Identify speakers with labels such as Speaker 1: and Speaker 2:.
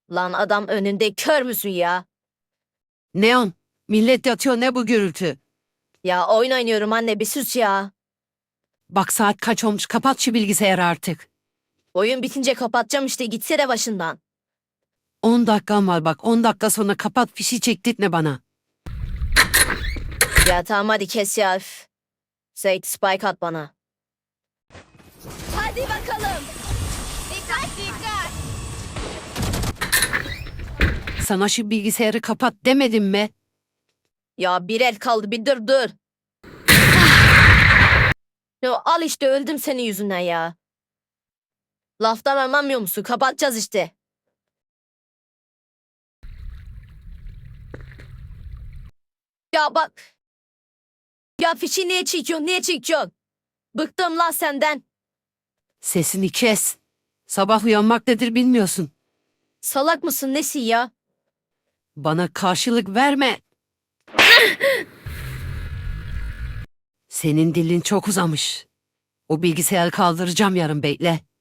Speaker 1: Lan adam önünde, kör müsün ya?
Speaker 2: Neon, millet yatıyor, ne bu gürültü?
Speaker 1: Ya oyun oynuyorum anne, bir sus ya.
Speaker 2: Bak saat kaç olmuş, kapat şu bilgisayarı artık.
Speaker 1: Oyun bitince kapatacağım işte, gitsene başından.
Speaker 2: 10 dakikam var bak, 10 dakika sonra kapat, fişi çektirtme bana.
Speaker 1: Ya tamam hadi kes ya. Üf. Seyit, spike at bana. Hadi bakalım.
Speaker 3: Dikkat dikkat.
Speaker 2: Sana şu bilgisayarı kapat demedim mi?
Speaker 1: Ya bir el kaldı, bir dur. Ya al işte, öldüm senin yüzünden ya. Laftan anlamıyor musun? Kapatacağız işte. Ya bak. Ya fişi niye çekiyorsun? Niye çekiyorsun? Bıktım lan senden.
Speaker 2: Sesini kes. Sabah uyanmak nedir bilmiyorsun.
Speaker 1: Salak mısın nesin ya?
Speaker 2: Bana karşılık verme. Senin dilin çok uzamış. O bilgisayarı kaldıracağım yarın, bekle.